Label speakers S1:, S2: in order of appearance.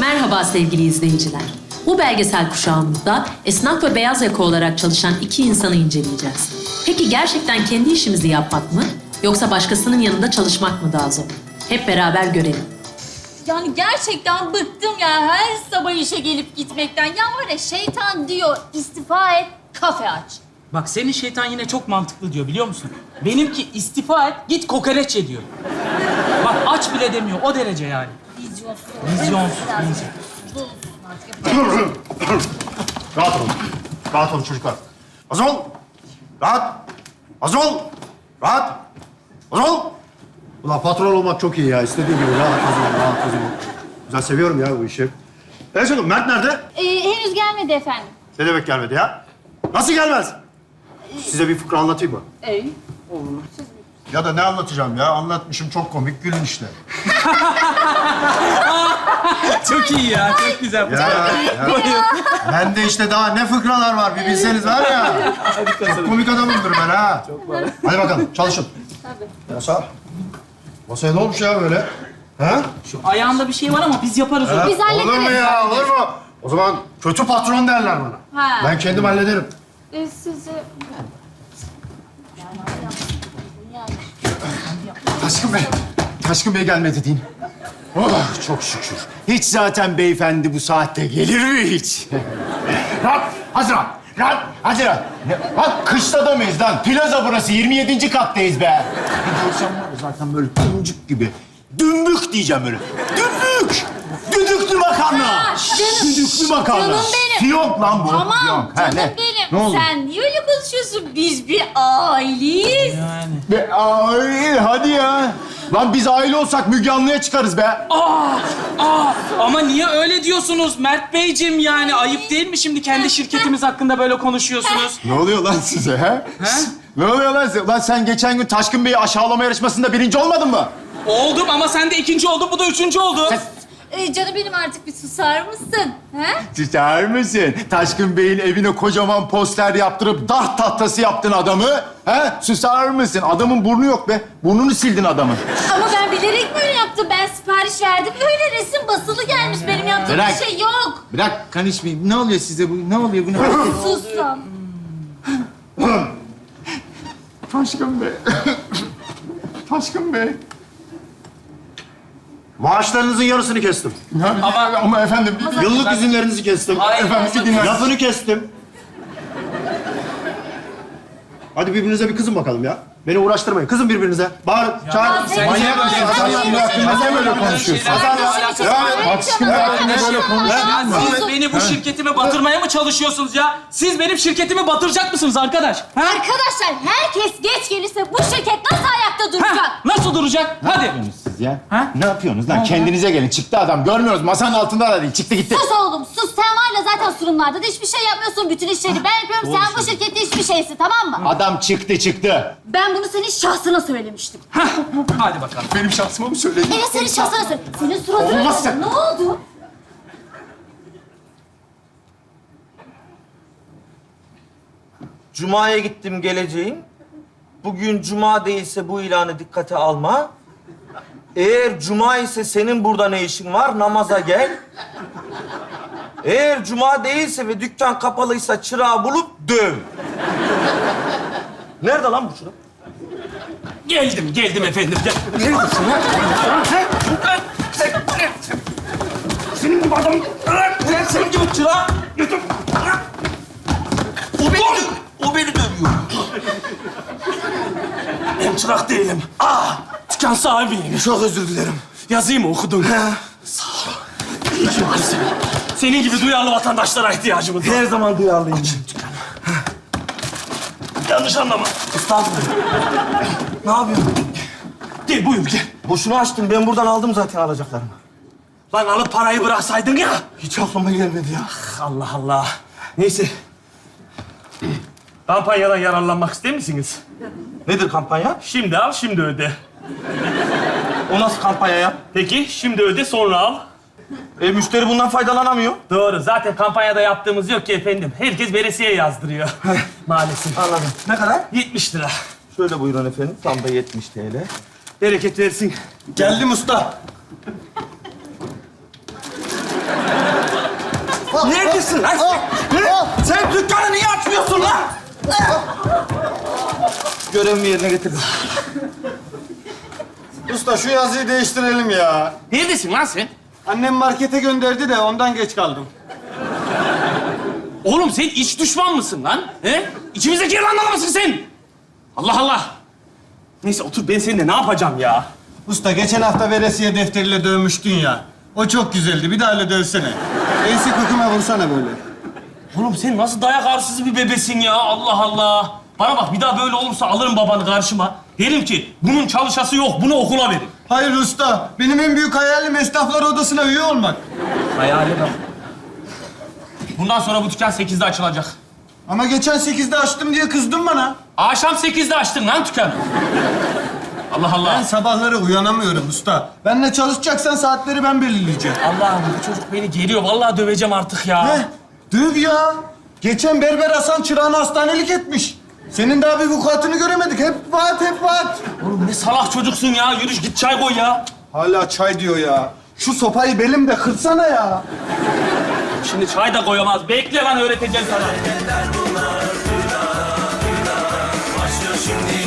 S1: Merhaba sevgili izleyiciler. Bu belgesel kuşağımızda esnaf ve beyaz yaka olarak çalışan iki insanı inceleyeceğiz. Peki gerçekten kendi işimizi yapmak mı yoksa başkasının yanında çalışmak mı daha zor? Hep beraber görelim.
S2: Yani gerçekten bıktım ya her sabah işe gelip gitmekten. Ya var ya şeytan diyor istifa et, kafe aç.
S3: Bak senin şeytan yine çok mantıklı diyor biliyor musun? Benimki istifa et, git kokoreç ye diyor. Bak aç bile demiyor, o derece yani.
S2: Vizyonsuz.
S3: Vizyonsuz,
S2: Biraz
S3: vizyonsuz.
S2: vizyonsuz artık.
S4: Rahat olun. Rahat olun çocuklar. Hazır ol. Rahat. Hazır ol. Rahat. Hazır ol. Ulan patron olmak çok iyi ya. İstediğin gibi rahat, hazır ol, rahat, hazır ol. Güzel, seviyorum ya bu işi. Evet canım, Mert nerede?
S2: Henüz gelmedi efendim.
S4: Ne demek gelmedi ya? Nasıl gelmez? Size bir fıkra anlatayım mı? Ya da ne anlatacağım ya? Anlatmışım çok komik, gülün işte.
S3: Çok iyi ya, çok güzel.
S4: Ya. Bende işte daha ne fıkralar var bir bilseniz var ya. Çok komik adamımdır ben ha. Hadi bakalım çalışın. Tabii. Masa. Masaya ne olmuş ya böyle? Ha?
S3: Şu ayağında bir şey var ama biz yaparız onu.
S2: Biz hallederiz.
S4: Olur mu ya? Olur mu? O zaman kötü patron derler bana.
S2: Ha.
S4: Ben kendim hallederim.
S2: Sizi...
S5: Taşkın Bey. Taşkın Bey gelmedi deyin. Oh çok şükür. Hiç zaten beyefendi bu saatte gelir mi hiç? Rahat, hazır ol. Rahat, hazır ol. Bak kışta da mıyız lan? Plaza burası, 27. kattayız be. Bir görsem var ya zaten böyle dümbük gibi. Dümbük diyeceğim böyle. Dümbük! Düdüklü makarna! Düdüklü makarna.
S2: Canım benim.
S5: Fiyonk lan bu.
S2: Tamam
S5: Fiyonk. Ha,
S2: canım
S5: ne?
S2: benim.
S5: Ne oldu?
S2: Sen niye öyle konuşuyorsun? Biz bir aileyiz.
S3: Yani.
S5: Be, ay, hadi ya. Lan biz aile olsak Müge Anlı'ya çıkarız be.
S3: Ama niye öyle diyorsunuz Mert Beyciğim yani? Ayıp değil mi şimdi kendi şirketimiz hakkında böyle konuşuyorsunuz?
S5: Ne oluyor lan size ha?
S3: Ha?
S5: Ne oluyor lan size? Lan sen geçen gün Taşkın Bey'i aşağılama yarışmasında birinci olmadın mı?
S3: Oldum ama sen de ikinci oldun, bu da üçüncü oldu.
S2: Canım benim artık bir susar mısın? He?
S5: Susar mısın? Taşkın Bey'in evine kocaman poster yaptırıp dart tahtası yaptın adamı. Ha? Susar mısın? Adamın burnu yok be. Burnunu sildin adamın.
S2: Ama ben bilerek böyle yaptım. Ben sipariş verdim. Öyle resim basılı gelmiş. Benim yaptığım
S5: Bırak.
S2: bir şey yok.
S5: Bırak konuşmayayım. Ne oluyor size bu? Ne oluyor bu?
S2: Sus lan.
S5: Taşkın Bey. Taşkın Bey.
S4: Maaşlarınızın yarısını kestim.
S5: Ama efendim...
S4: Yıllık izinlerinizi kestim.
S3: Hayır,
S5: Efendim bir dinler.
S4: Lafını kestim. Hadi birbirinize bir kızın bakalım ya. Beni uğraştırmayın. Kızın birbirinize. Bağırın, çağırın.
S2: sen-
S5: Manyak mısın? Taşkın Bey hakkında niye böyle konuşuyorsun? Taşkın Bey hakkında böyle konuşuyorsun.
S3: Siz beni bu şirketime batırmaya mı çalışıyorsunuz ya? Siz benim şirketimi batıracak mısınız arkadaş? Ha?
S2: Arkadaşlar herkes geç gelirse bu şirket nasıl ayakta duracak?
S3: Ha? Nasıl duracak? Hadi.
S5: Siz ya?
S3: Ha?
S5: Ne yapıyorsunuz lan? Kendinize gelin. Çıktı adam. Görmüyoruz. Masanın altında da değil. Çıktı gitti.
S2: Sus oğlum sus. Sen var ya zaten sunumlarda da hiçbir şey yapmıyorsun. Bütün işleri ben yapıyorum. Sen bu şirkette hiçbir şeysin tamam mı?
S5: Adam çıktı.
S2: Ben bunu senin şahsına söylemiştim.
S3: Hadi bakalım.
S5: Benim şahsıma mı söyledin?
S2: Evet senin şahsına söyledim. Senin suratına
S5: Olmaz
S2: söyledim. Ne oldu?
S6: Cuma'ya gittim geleceğim. Bugün cuma değilse bu ilanı dikkate alma. Eğer cuma ise senin burada ne işin var? Namaza gel. Eğer cuma değilse ve dükkan kapalıysa çırağı bulup döv. Nerede lan bu çırak?
S3: Geldim efendim. Gel.
S6: Senin gibi adam... Senin gibi çırak... O beni dövüyor.
S3: Ben çırak değilim. Dükkan sahibiyim.
S6: Çok özür dilerim.
S3: Yazayım mı okudun? Sağ ol. Senin gibi duyarlı vatandaşlara ihtiyacımız var.
S6: Her zaman duyarlıyım.
S3: Yanlış anlama.
S6: Estağfurullah. Ne yapıyorsun?
S3: Gel buyur gel.
S6: Boşuna açtım. Ben buradan aldım zaten alacaklarımı.
S3: Lan alıp parayı bıraksaydın ya.
S6: Hiç aklıma gelmedi ya.
S3: Allah Allah. Neyse. Kampanyadan yararlanmak ister misiniz?
S6: Nedir kampanya?
S3: Şimdi al, şimdi öde.
S6: O nasıl kampanya ya?
S3: Peki, şimdi öde, sonra al.
S6: Müşteri bundan faydalanamıyor.
S3: Doğru. Zaten kampanyada yaptığımız yok ki efendim. Herkes veresiye yazdırıyor. Maalesef.
S6: Anladım. Ne kadar?
S3: 70 lira.
S6: Şöyle buyurun efendim. Tam da 70 TL.
S3: Bereket versin.
S6: Geldim usta. neredesin lan sen? Sen dükkanı niye açmıyorsun lan? Görevimi yerine getirdim.
S4: Usta şu yazıyı değiştirelim ya.
S7: Neredesin lan sen?
S4: Annem markete gönderdi de ondan geç kaldım.
S7: Oğlum sen iç düşman mısın lan? He? İçimizdeki yılanlar mısın sen? Allah Allah. Neyse otur, ben seninle ne yapacağım ya?
S4: Usta geçen hafta veresiye defteriyle dövmüştün ya. O çok güzeldi. Bir daha öyle dövsene. Ensi köküme vursana böyle.
S7: Oğlum sen nasıl dayak arsızı bir bebesin ya? Allah Allah. Bana bak, bir daha böyle olursa alırım babanı karşıma. Derim ki bunun çalışası yok, bunu okula verin.
S4: Hayır usta. Benim en büyük hayalim esnaflar odasına üye olmak.
S7: Hayali bak. Bundan sonra bu dükkan 8'de açılacak.
S4: Ama geçen 8'de açtım diye kızdın bana.
S7: Akşam 8'de açtın lan dükkanı. Allah Allah.
S4: Ben sabahları uyanamıyorum usta. Benimle çalışacaksan saatleri ben belirleyeceğim.
S7: Allah'ım bu çocuk beni geriyor. Vallahi döveceğim artık ya.
S4: Heh, döv ya. Geçen Berber Hasan çırağını hastanelik etmiş. Senin daha bir vukuatını göremedik. Hep vaat, hep vaat.
S7: Oğlum ne salak çocuksun ya. Yürü git çay koy ya.
S4: Hala çay diyor ya. Şu sopayı belimde kırsana ya.
S7: Şimdi çay da koyamaz. Bekle lan, öğreteceğim sana.
S8: Başlıyor şimdi